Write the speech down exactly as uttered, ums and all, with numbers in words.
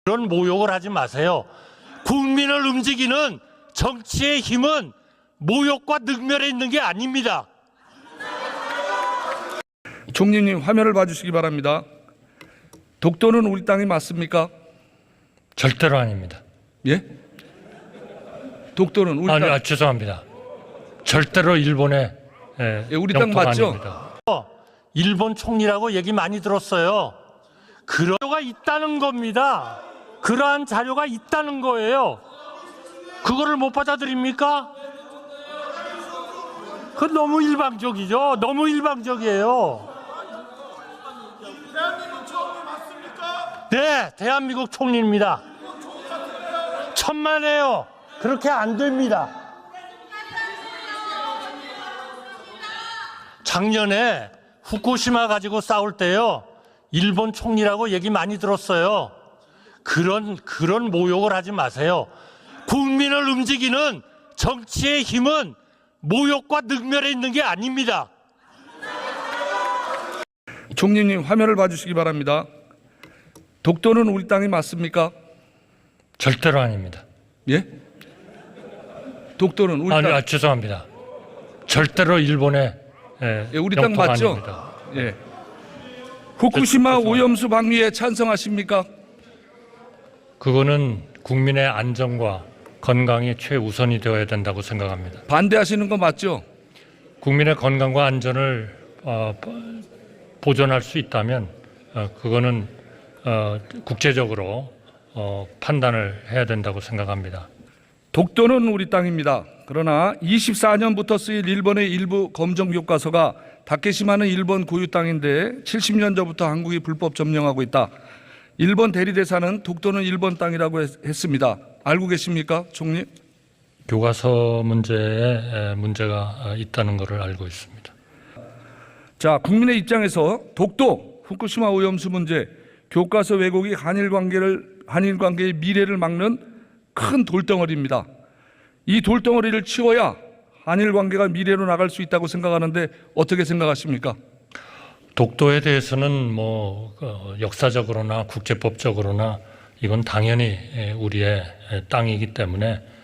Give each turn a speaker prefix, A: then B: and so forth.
A: 그런 모욕을 하지 마세요. 국민을 움직이는 정치의 힘은 모욕과 능멸에 있는 게 아닙니다.
B: 총리님 화면을 봐주시기 바랍니다. 독도는 우리 땅이 맞습니까?
A: 절대로 아닙니다.
B: 예? 독도는 우리
A: 아니,
B: 땅.
A: 아, 죄송합니다. 절대로 일본의 예,
B: 예, 우리 땅
A: 영토가
B: 맞죠?
A: 아닙니다. 일본 총리라고 얘기 많이 들었어요. 그런 자료가 있다는 겁니다. 그러한 자료가 있다는 거예요. 그거를 못 받아들입니까? 그건 너무 일방적이죠. 너무 일방적이에요. 네, 대한민국 총리입니다. 천만에요. 그렇게 안 됩니다. 작년에 후쿠시마 가지고 싸울 때요, 일본 총리라고 얘기 많이 들었어요. 그런 그런 모욕을 하지 마세요. 국민을 움직이는 정치의 힘은 모욕과 능멸에 있는 게 아닙니다.
B: 총리님 화면을 봐주시기 바랍니다. 독도는 우리 땅이 맞습니까?
A: 절대로 아닙니다.
B: 예? 독도는 우리
A: 아니,
B: 땅.
A: 아, 죄송합니다. 절대로 일본의 예,
B: 예, 우리 땅
A: 영토가
B: 맞죠?
A: 아닙니다.
B: 예. 후쿠시마
A: 죄송합니다.
B: 오염수 방류에 찬성하십니까?
A: 그거는 국민의 안전과 건강이 최우선이 되어야 된다고 생각합니다.
B: 반대하시는 거 맞죠?
A: 국민의 건강과 안전을 어, 보존할 수 있다면 어, 그거는 어, 국제적으로 어, 판단을 해야 된다고 생각합니다.
B: 독도는 우리 땅입니다. 그러나 이십사 년부터 쓰일 일본의 일부 검정 교과서가 다케시마는 일본 고유 땅인데 칠십 년 전부터 한국이 불법 점령하고 있다. 일본 대리대사는 독도는 일본 땅이라고 했, 했습니다. 알고 계십니까, 총리?
A: 교과서 문제에 문제가 있다는 것을 알고 있습니다.
B: 자, 국민의 입장에서 독도, 후쿠시마 오염수 문제, 교과서 왜곡이 한일 관계를 한일 관계의 미래를 막는 큰 돌덩어리입니다. 이 돌덩어리를 치워야 한일 관계가 미래로 나갈 수 있다고 생각하는데 어떻게 생각하십니까?
A: 독도에 대해서는 뭐 역사적으로나 국제법적으로나 이건 당연히 우리의 땅이기 때문에